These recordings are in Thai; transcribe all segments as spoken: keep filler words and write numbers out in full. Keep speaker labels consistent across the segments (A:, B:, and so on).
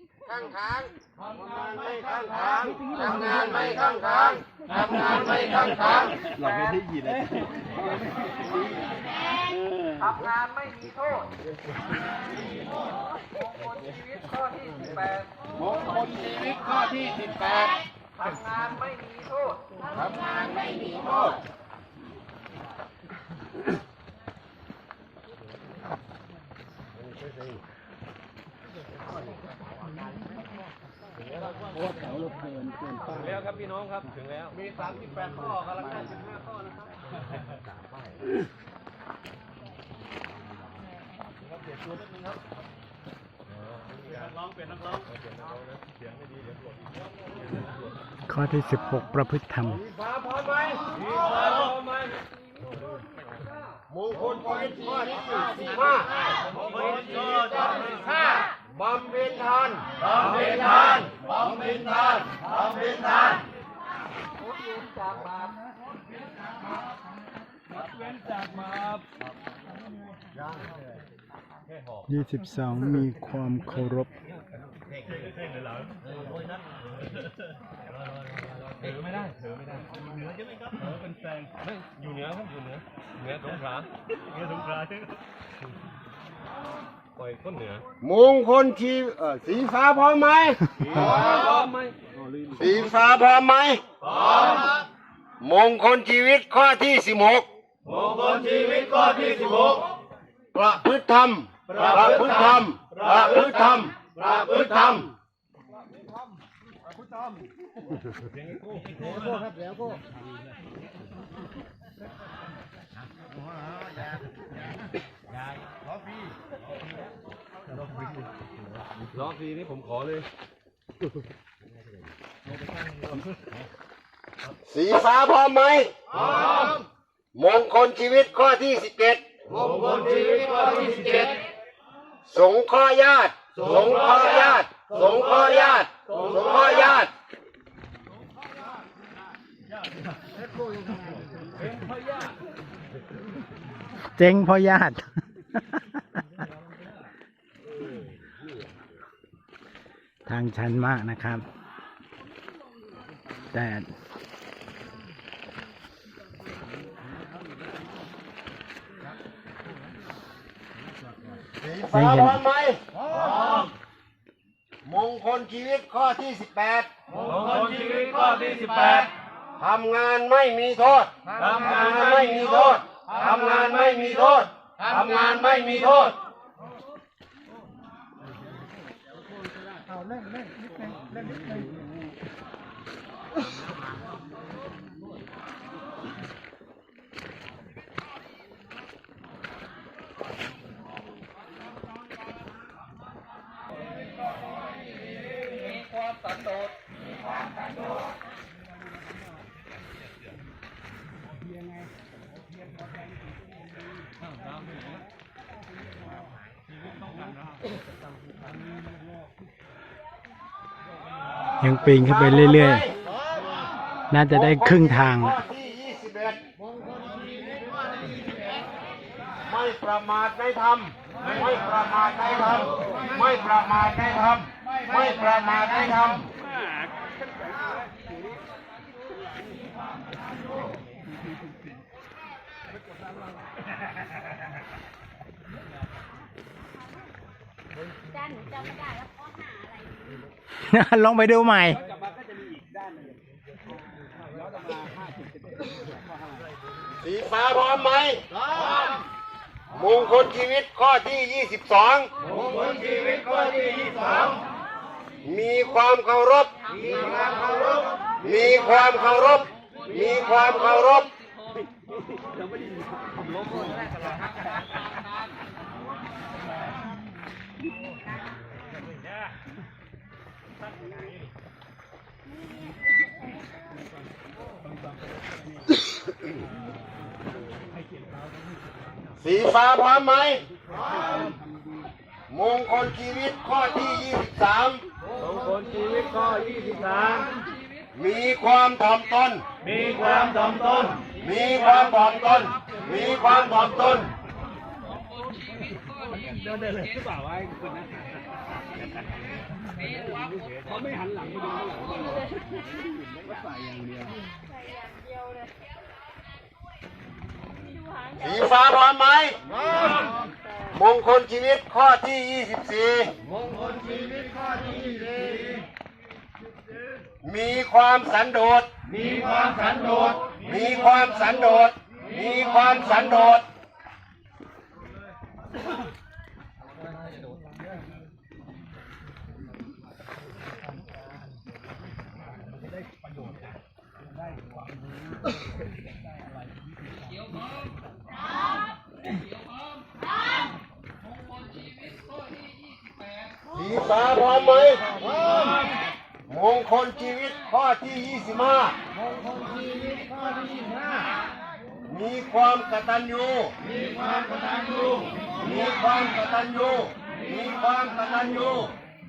A: ข้างค้างทำงานไม่ข้างค้างทำงานไม่ข้างค้างทำงานไม่ข้างค้างเราไม่ได้ยินเลยทำงานไม่มีโทษมงคลชีวิตข้อที่สิบแปดมงคลชีวิตข้อที่สิบแปดทำงานไม่มีโทษทำงานไม่มีโทษถึงแล้วครับพี่น้องครับถึงแล้วมีสามสิบแปดข้อกำลังได้สิบห้าข้อนะครับครับเปลี่ยนตัวนิดนึงครับนักร้องเปลี่ยนนักร้องเปลี่ยนนักร้องนะเสียงไม่ดีเดี๋ยวปวดอีก
B: ข้อที่สิบหกประพฤติธรรม
A: ฟ้าพร้อมไหมฟ้าพร้อมไหมมงคลชีวิตข้อที่สี่ห้ามงคลชีวิตข้อที่ห้าบำเพ็ญทานบำเพ็ญทานบำเพ็ญทานบำเพ็ญทานงดเว้นจากบาปงดเว้นจากบาป
B: ยี่สิบสองมีความเคารพ
A: ถือไม่ได้ถือไม่ได้เหนือใช่ไหมครับเหนือเป็นแซงไม่อยู่เหนือครับอยู่เหนือเหนือสงขลาเหนือสงขลาใช่ไหมปล่อยก้นเหนือมงคลชีเออสีฟ้าพร้อมไหมพร้อมไหมสีฟ้าพร้อมไหมพร้อมมงคลชีวิตข้อที่สิบหกมงคลชีวิตข้อที่สิบหกประพฤติธรรมประพฤติธรรมประพฤติธรรมประพฤติธรรมล้อฟรีนี่ผมขอเลยสีฟ้าพร้อมไหมพร้อมมงคลชีวิตข้อที่สิบเจ็ดมงคลชีวิตข้อที่สิบเจ็ดสงเคราะห์ญาติสงเคราะห์ญาติสงเคราะห์ญาติสงเคราะห์ญาติ
B: เจ๊งพ่อญาติทางชันมากนะครับแต่
A: ฟ้าพร้อมไหมพร้อมมงคลชีวิตข้อที่สิบแปดมงคลชีวิตข้อที่สิบแปดทำงานไม่มีโทษทำงานไม่มีโทษทำงานไม่มีโทษทำงานไม่มีโทษเอาเล่นเล่นนิดนึงเล่นนิดนึงสันโดษ
B: ยังปีนขึ้นไปเรื่อยๆน่าจะได้ครึ่งทาง
A: ไม่ประมาทในธรรมไม่ประมาทในธรรมไม่ประมาทในธรรมไม่ประมาทในธรรม
C: ด้านหนูจำไม่ได้แล้วข้อหาอะไร
B: ลองไปดูใหม่
A: สีฟ้าพร้อมไหมพร้อมมงคลชีวิตข้อที่ยี่สิบสองมงคลชีวิตข้อที่ยี่สิบสองมีความเคารพมีความเคารพมีความเคารพมีความเคารพสีฟ้าพร้อมไหมพร้อมมงคลชีวิตข้อที่ยี่สิบสามมงคลชีวิตข้อยี่สิบสามมีความถ่อมตนมีความถ่อมตนมีความถ่อมตนมีความถ่อมตนเดินเลยหรือเปล่าไอ้คุณนะ
B: เขาไม่หันหลังไปดูข้างหลังก็ใส่อย่างเดียว
A: สีฟ้าพร้อมไหมมงคลชีวิตข้อที่ยี่สิบสี่มงคลชีวิตข้อที่ยี่สิบสี่มีความสันโดษมีความสันโดษมีความสันโดษมีความสันโดษสีฟ้าพร้อมไหมพร้อมมงคลชีวิตข้อที่ยี่สิบห้ามงคลชีวิตข้อที่ยี่สิบห้ามีความกตัญญูมีความกตัญญูมีความกตัญญูมีความกตัญญู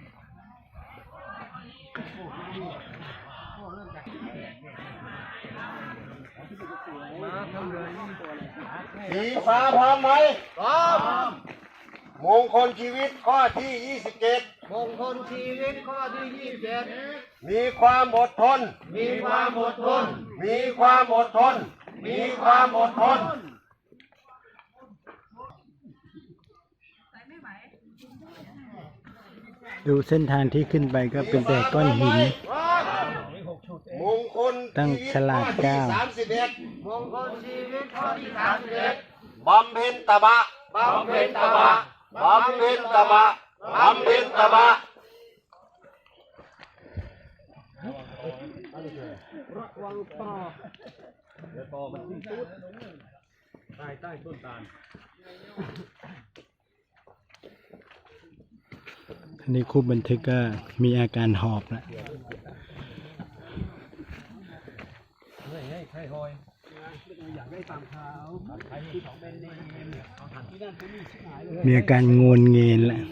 A: สีฟ้าพร้อมไหมพร้อมมงคลชีวิตข้อที่ยี่สิบเจ็ดมงคลชีวิตข้อที่ยี่สิบเจ็ดมีความอดทนมีความอดทนมีความอดทนมีความอดทน
B: ดูเส้นทางที่ขึ้นไปก็เป็นแต่ก้อนหิน
A: มงคล
B: ตั้งฉลาดเก้า
A: สามสิบเอ็ดมงคลชีวิตข้อที่สามสิบเอ็ดบำเพ็ญตบะบำเพ็ญตบะบำเพ็ญตบะบำเพ็ญตบะ
B: ระวังต่อเดี๋ยวต่อมันที่สุดใต้ใต้ต้นตาลอันนี้คู่บันทึกก็มีอาการหอบแล้วมีอาการงนเงินแหละ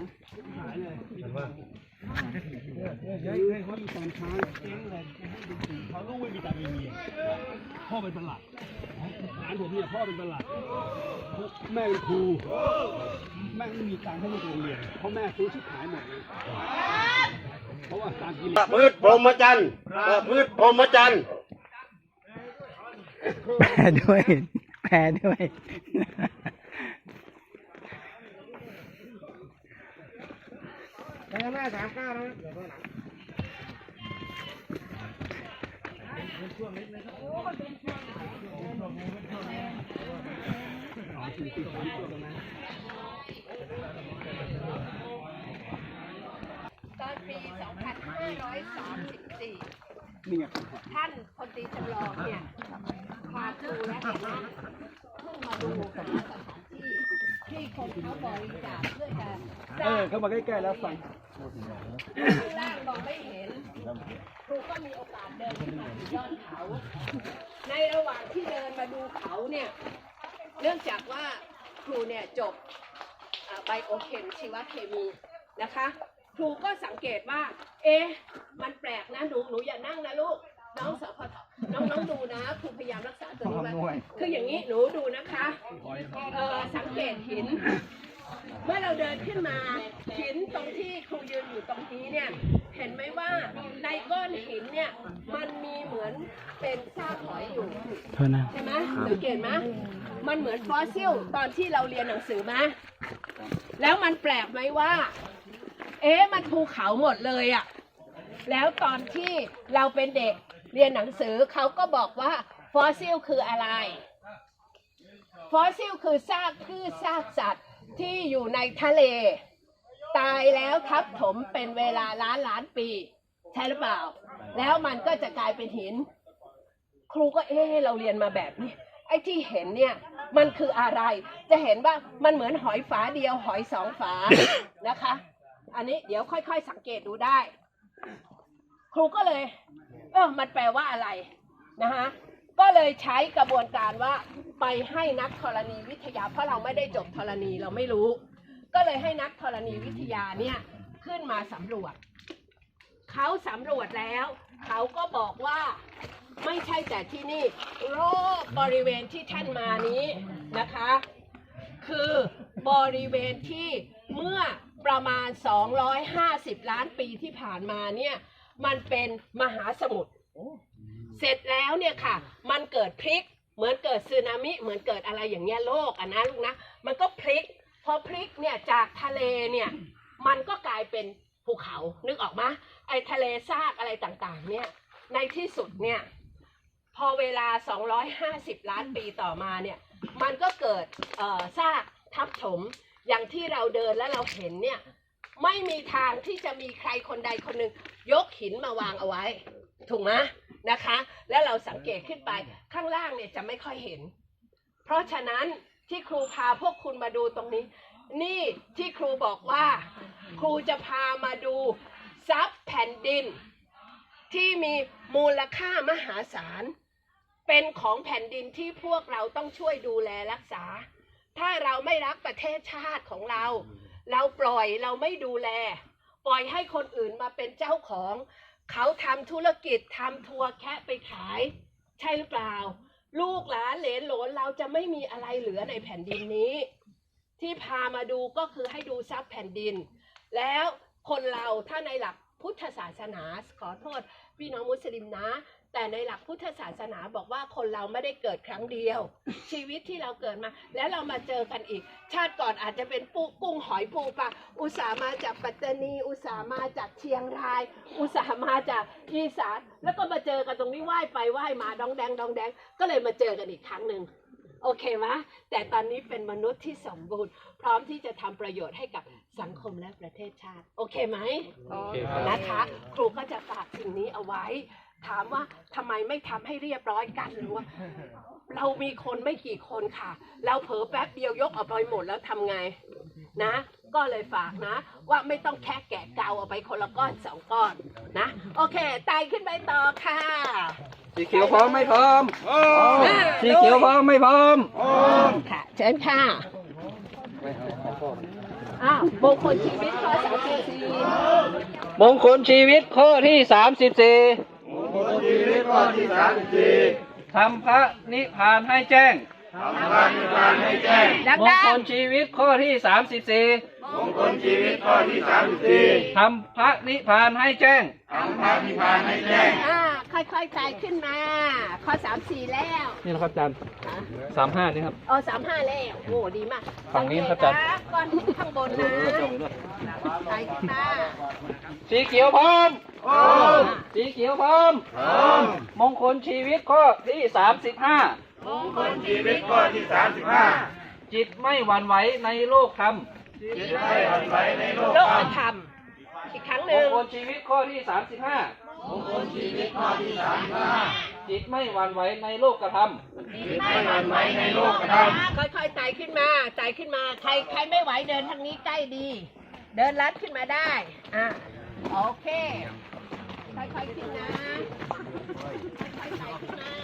B: เขาลูกไม่มีตาไม่มีพ่อเป็นประหลัดหลานผมเนี่ยพ่อเป็นประหลัดแม่เป็นครูแม่ไม่มีตังค์ให้ลูกเรียนเพราะแม่ซื้อชุดขายหมดเลยเพราะว่าการกิน
A: ประพฤติพรหมจรรย์ประพฤติพรหมจรรย์
B: แพ้ด้วยแพ้ด้วย
A: ไปข้างหน้าสามเก้านะเดี๋ยวข้างหลัง
C: ตอนปี สองพันห้าร้อยสามสิบสี่ ท่านพลตรีจำลองเนี่ยพาครูและคณะขึ้นมาดูกับสถานที่ที่คนเขาบริจาคเพื่อจะสร้าง
B: เข้ามาใกล้ๆแล้วฟัง
C: ข้างล่างมองไม่เห็นครูก็มีโอกาสเดินขึ้นมาที่ยอดเขาในระหว่างที่เดินมาดูเขาเนี่ยเนื่องจากว่าครูเนี่ยจบไบโอเคมชีวเคมีนะคะครูก็สังเกตว่าเอ๊ะมันแปลกนะหนูหนูอย่านั่งนะลูกน้องสพทน้องน้องดูนะครูพยายามรักษาตัวนี้ไว้คืออย่างนี้หนูดูนะคะเออสังเกตหินเมื่อเราเดินขึ้นมาหินตรงที่ครูยืนอยู่ตรงนี้เนี่ยเห็นไหมว่าในก้อนหินเนี่ยมันมีเหมือนเป็นซากหอยอยู่ใช่ไหมสังเกตไหมมันเหมือนฟอสซิลตอนที่เราเรียนหนังสือมาแล้วมันแปลกไหมว่าเอ๊ะมันภูเขาหมดเลยอะแล้วตอนที่เราเป็นเด็กเรียนหนังสือเขาก็บอกว่าฟอสซิลคืออะไรฟอสซิลคือซากพืชซากสัตว์ที่อยู่ในทะเลตายแล้วทับถมเป็นเวลาล้านล้านปีใช่หรือเปล่าแล้วมันก็จะกลายเป็นหินครูก็เอ๊ะเราเรียนมาแบบนี้ไอ้ที่เห็นเนี่ยมันคืออะไรจะเห็นว่ามันเหมือนหอยฝาเดียวหอยสองฝา นะคะอันนี้เดี๋ยวค่อยๆสังเกตดูได้ครูก็เลยเออมันแปลว่าอะไรนะคะก็เลยใช้กระบวนการว่าไปให้นักธรณีวิทยาเพราะเราไม่ได้จบธรณีเราไม่รู้ก็เลยให้นักธรณีวิทยาเนี่ยขึ้นมาสำรวจเขาสำรวจแล้วเขาก็บอกว่าไม่ใช่แต่ที่นี่รอบบริเวณที่ท่านมานี้นะคะคือบริเวณที่เมื่อประมาณสองร้อยห้าสิบล้านปีที่ผ่านมาเนี่ยมันเป็นมหาสมุทรเสร็จแล้วเนี่ยค่ะมันเกิดพลิกเหมือนเกิดสึนามิเหมือนเกิดอะไรอย่างเงี้ยโลกอ่ะนะลูกนะมันก็พลิกพอพลิกเนี่ยจากทะเลเนี่ยมันก็กลายเป็นภูเขานึกออกมาไอ้ทะเลซากอะไรต่างๆเนี่ยในที่สุดเนี่ยพอเวลาสองร้อยห้าสิบล้านปีต่อมาเนี่ยมันก็เกิดเอ่อซากทับถมอย่างที่เราเดินแล้วเราเห็นเนี่ยไม่มีทางที่จะมีใครคนใดคนหนึ่งยกหินมาวางเอาไว้ถูกไหมนะคะแล้วเราสังเกตขึ้นไปข้างล่างเนี่ยจะไม่ค่อยเห็นเพราะฉะนั้นที่ครูพาพวกคุณมาดูตรงนี้นี่ที่ครูบอกว่าครูจะพามาดูทรัพย์แผ่นดินที่มีมูลค่ามหาศาลเป็นของแผ่นดินที่พวกเราต้องช่วยดูแลรักษาถ้าเราไม่รักประเทศชาติของเราเราปล่อยเราไม่ดูแลปล่อยให้คนอื่นมาเป็นเจ้าของเขาทำธุรกิจทำทัวร์แคะไปขายใช่หรือเปล่าลูกหลานเหลนโหลนเราจะไม่มีอะไรเหลือในแผ่นดินนี้ที่พามาดูก็คือให้ดูทรัพย์แผ่นดินแล้วคนเราถ้าในหลักพุทธศาสนาขอโทษพี่น้องมุสลิมนะแต่ในหลักพุทธศาสนาบอกว่าคนเราไม่ได้เกิดครั้งเดียวชีวิตที่เราเกิดมาแล้วเรามาเจอกันอีกชาติก่อนอาจจะเป็นปูกุ้งหอยปูปลาอุตส่าห์มาจากปัตตานีอุตส่าห์มาจากเชียงรายอุตส่าห์มาจากอีสานแล้วก็มาเจอกันตรงนี้ไหว้ไปไหว้มาดองแดงดองแดงก็เลยมาเจอกันอีกครั้งหนึ่งโอเคไหมแต่ตอนนี้เป็นมนุษย์ที่สมบูรณ์พร้อมที่จะทำประโยชน์ให้กับสังคมและประเทศชาติโอเคไหมโอเคนะคะครูก็จะฝากสิ่งนี้เอาไว้ถามว่าทำไมไม่ทำให้เรียบร้อยกันหรือว่าเรามีคนไม่กี่คนค่ะเราเผลอแป๊บเดียวยกออกไปหมดแล้วทำไงนะก็เลยฝากนะว่าไม่ต้องแค่แกะเกาเอาไปคนละก้อนสองก้อนนะโอเคไต่ขึ้นไปต่อค่ะ
D: สีเขียวพร้อมไม่พร้อมสีเขียวพร้อมไม่พร้อม
C: ค่ะเชิญค่ะอ้าวมงคลชีวิตข้อสามสิบสี่
D: มงคลชีวิตข้อที่สามสิบสี่
A: มงคลชีวิตข้อที่สามสิบสี่
D: ทำพระนิพพานให้แจ้ง
A: ทำพระนิพพานให้แจ้ง
D: มงคลชีวิตข้อที่สามสิบสี่
A: มงคลชีวิตข้อที่สามสิบสี่
D: ทำพระนิพพานให้แจ้ง
A: ทำพระนิพพานให้แจ้ง
C: อ่าค่อยๆไต่ขึ้นมาข้อสามสี่แล้ว
D: นี่นะครับอาจารย์สามห้านี่ครับ
C: อ๋อสามห้าแล้วโอ้ดีมาก
D: ฝั่งนี้ครับอาจารย์
C: ก้อนข้างบนนะไต่ขึ้นมา
D: สีเขียวพร้อมสีเขียวพร้อมมงคลชีวิตข้อที่สามสิบห้าม
A: งคลชีวิตข้อที่สามสิบห้า
D: จิตไม่หวั่นไหวในโลกธรรม
A: จิตไม่หวั่นไหวในโลก
C: ธรรมอีกครั้งหนึ่ง
D: มงคลชีวิตข้อที่สามสิบห้าม
A: งคลชีวิตข้อที่สามสิบห้า
D: จิตไม่หวั่นไหวในโลกธรรม
A: จิตไม่หวั่นไหวในโลกธรรม
C: ค่อยๆไต่ขึ้นมาไต่ขึ้นมาใครใครไม่ไหวเดินทางนี้ใกล้ดีเดินลัดขึ้นมาได้อ่ะโอเคค่อยๆขึ้นนะค่อยๆไต่ขึ้นมา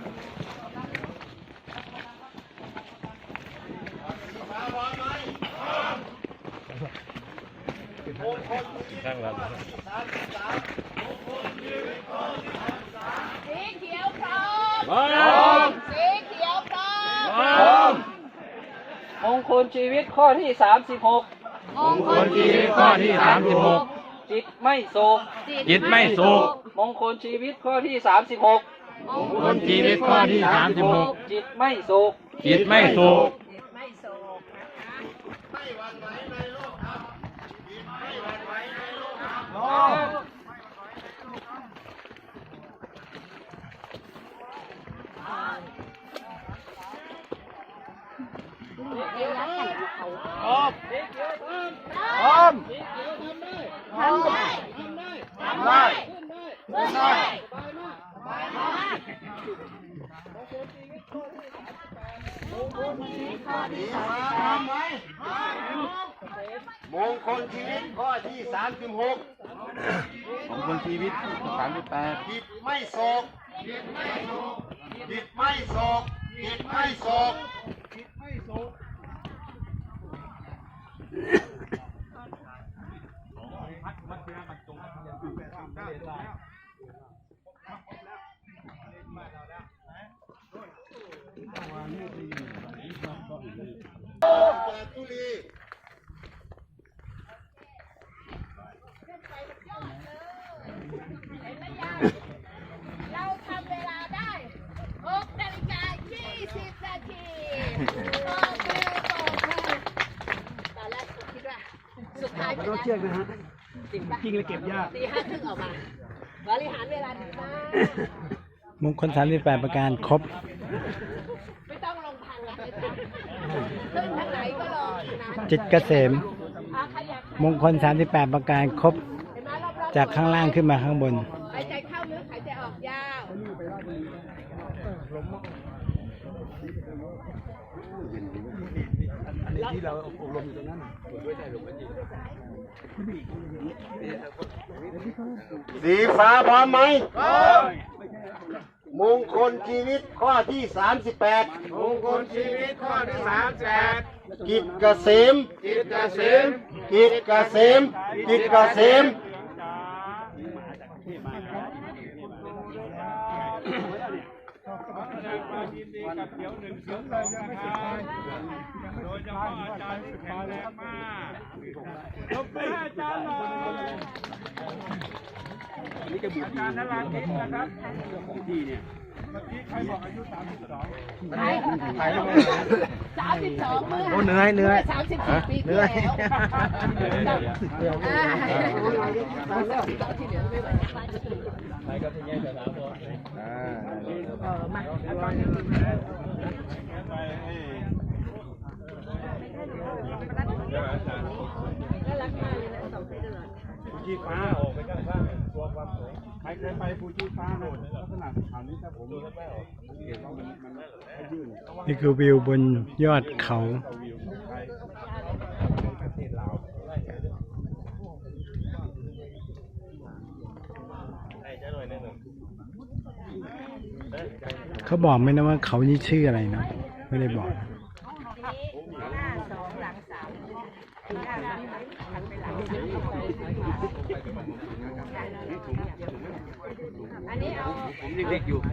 D: นั่งแล้ว
C: สีเขียวพร้อมสีเขียวพร้อม
D: มงคลชีวิตข้อที่สามสิบหก
A: มงคลชีวิตข้อที่สามสิบหก
D: จิตไม่โศก
A: จิตไม่โศก
D: มงคลชีวิตข้อที่สามสิบหก
A: มงคลชีวิตข้อที่สามสิบหก
D: จิตไม่โศก
A: จิตไม่โศก
C: ไม่โศกนะคะไม่หวั่นไหวในโลกธรรมจิตไม่หวั่นไหวในโลกธรรมเดี๋ยวรักกันเขาพร้อมพร้อมทำได้ทำได้ทำได้ขึ้นได้ขึ้นได้สบายมากสบายมากมงคลชีวิตข้อที่สามสิบแปดมงคลชีวิตข้อที่สามสิบแปด
A: มงคลชีวิตข้อที่สามสิบหกมงคลชีวิตสามสิบแปดจิตไม่โศกจิตไม่โศกจิตไม่โศกจิตไม่โศกจิตไม่โศก
B: เชือกนะฮะจริงเลยเก็บยาก
C: ตีห้าครึ่งออกมา บริหารเวลาดีมาก
E: มงคลสามสิบแปดประการครบ
C: ไม่ต้องลงทางละไม่ต้องขึ้นทางไหนก็ลงนะ
E: จิตเกษม
C: อ่ะใครอยาก
E: มงคลสามสิบแปดประการครบ
C: เห็นไหมรอบๆ
E: จากข้างล่างขึ้นมาข้างบน
C: หายใจเข้าลึกหายใจออกยาว
B: อันนี้ที่เราอบรมอยู่ตรงนั้น
A: สีฟ้าพร้อมไหมมงคลชีวิตข้อที่สามสิบแปดมงคลชีวิตข้อที่สามสิบแปดกิจเกษมกิจเกษมกิจเกษมกิจเกษม
B: อันนี้จะบูชานาราธินะครับที่เนี่ย
C: ใช่สามสิบสองเมื่อ
E: โอ้เหนื่อยเหนื่อย
C: สามสิบสี่ปีที่แล้วอ่าที่เหลือไม่ไหวเออมาน่ารักมากเลยนะสองคนตลอด
B: ฟูจิฟ้าออกไปข้างข้างตัวความสวยใครเคยไปฟูจิฟ้าโน่นลักษณะสถานนี้ถ้าผมดูไม่ออกสังเกตว่ามันมันยื่น
E: นี่คือวิวบนยอดเขา
B: วิวของไทยประเทศลาว
E: เขาบอกไหมนะว่าเขานี่ชื่ออะไรเนาะไม่ได้บอก
C: อันนี้เอา
B: ผมยังเด็กอยู่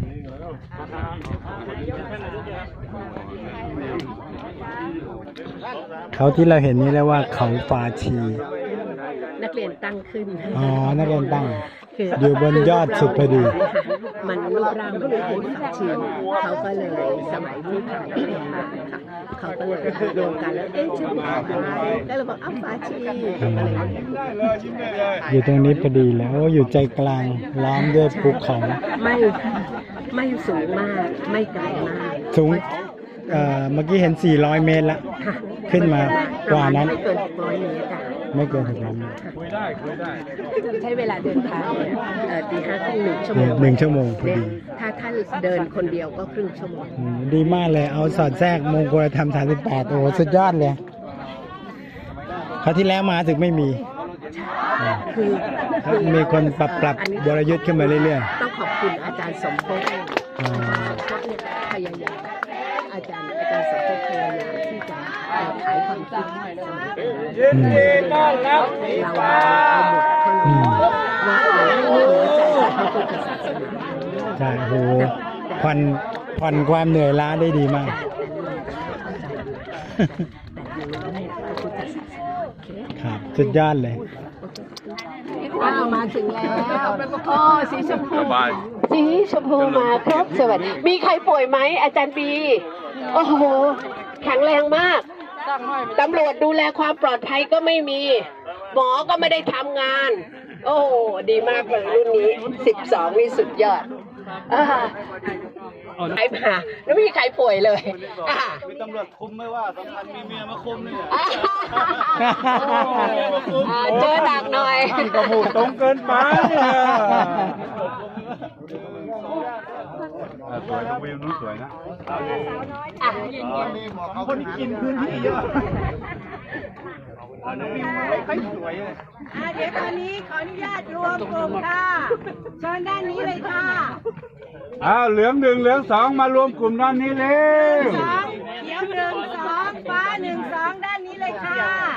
E: เขาที่เราเห็นนี่เรียกว่าเขาฟาชี
C: นักเรียนตั้งขึ้น
E: อ๋อนักเรียนตั้ง
C: คือ
E: อยู่บนยอดสุดพอดี
C: มันรูปร่างมันคล้ายฝาชีเขาก็เลยสมัยที่ถ่ายเป็นมาค่ะเขาก็เลยรวมกันแล้วเอ๊ะชื่ออะไรก็เลยบอกอ้าวฝาชีเขาก็เลย
E: อยู่ตรงนี้พอดีแล้วโอ้อยู่ใจกลางล้อมด้วยภูเขา
C: ไม่ไม่สูงมากไม่ไกลมาก
E: สูงเอ่อเมื่อกี้เห็นสี่ร้อยเมตรละ
C: ค่ะ
E: ขึ้นมากว่านั้น
C: ไม่เกินหกร้อยเมตรอะ
E: ไม่เกินหกร้อยเมตร
B: คุยได้คุยได้
C: ใช้เวลาเดินทางเนี่ยเอ่อตีห้าครึ่งหนึ่งชั่วโมง
E: หนึ่งชั่วโมงพอดี
C: ถ้าท่านเดินคนเดียวก็ครึ่งชั่วโมง
E: อืมดีมากเลยเอาสอดแทรกมงคลธรรมสามสิบแปดโอ้โหสุดยอดเลยคราวที่แล้วมาถึงไม่มี
C: คือ
E: แล้วมีคนปรับปรับ
C: อันนี้
E: บรยุทธ์ขึ้นมาเรื่อย
C: ต้องขอบคุณอาจารย์สมภพ
E: ๆอ๋อ
C: เขาเนี่ยพยายามอาจารย์อาจารย์สมภพพยายามที่จะเอ่อขายความคิดสมัยก่อน
E: อืม
C: เราเอาหมดคน
E: อืม
C: ว่าเราไม่เหนือใจพระพุทธศาสนา
E: ใช่โอ้โหผ่อนผ่อนความเหนื่อยล้าได้ดีมาก
C: แต่อยู่ในพระพุทธศาสนาโอเค
E: ครับสุดยอดเลย
C: ว้าวมาถึงแล้วโอ้สีชมพูสีชมพูมาครบสวัสดีมีใครป่วยไหมอาจารย์ปีโอ้โหแข็งแรงมากตำรวจดูแลความปลอดภัยก็ไม่มี หมอก็ไม่ได้ทำงาน โอ้โหดีมากเลยรุ่นนี้สิบสองนี่สุดยอดอ่าใครมาแล้วไม่มีใครป่วยเลยอ่า
B: มีตำรวจคุมไม่ว่าสำคัญมีเมียมาคุมนี่แหละ
C: อ่าเจอดักหน่อย
E: ก็พูดตรงเกินไป
B: สวยวิวนู้นสวยนะ
C: อ่ะ
B: คนกินพื้นที่เยอะวิวไม่ค่อยสวยเลย
F: อ่าเดี๋ยวตอนนี้ขออนุญาตรวมกลุ่มค่ะเชิญด้านนี้เลยค่ะ
B: อ้าวเหลืองหนึ่งเหลืองสองมารวมกลุ่มด้านนี้เร็ว
F: สองเขียวหนึ่งสองฟ้าหนึ่งสองด้านนี้เลยค่ะ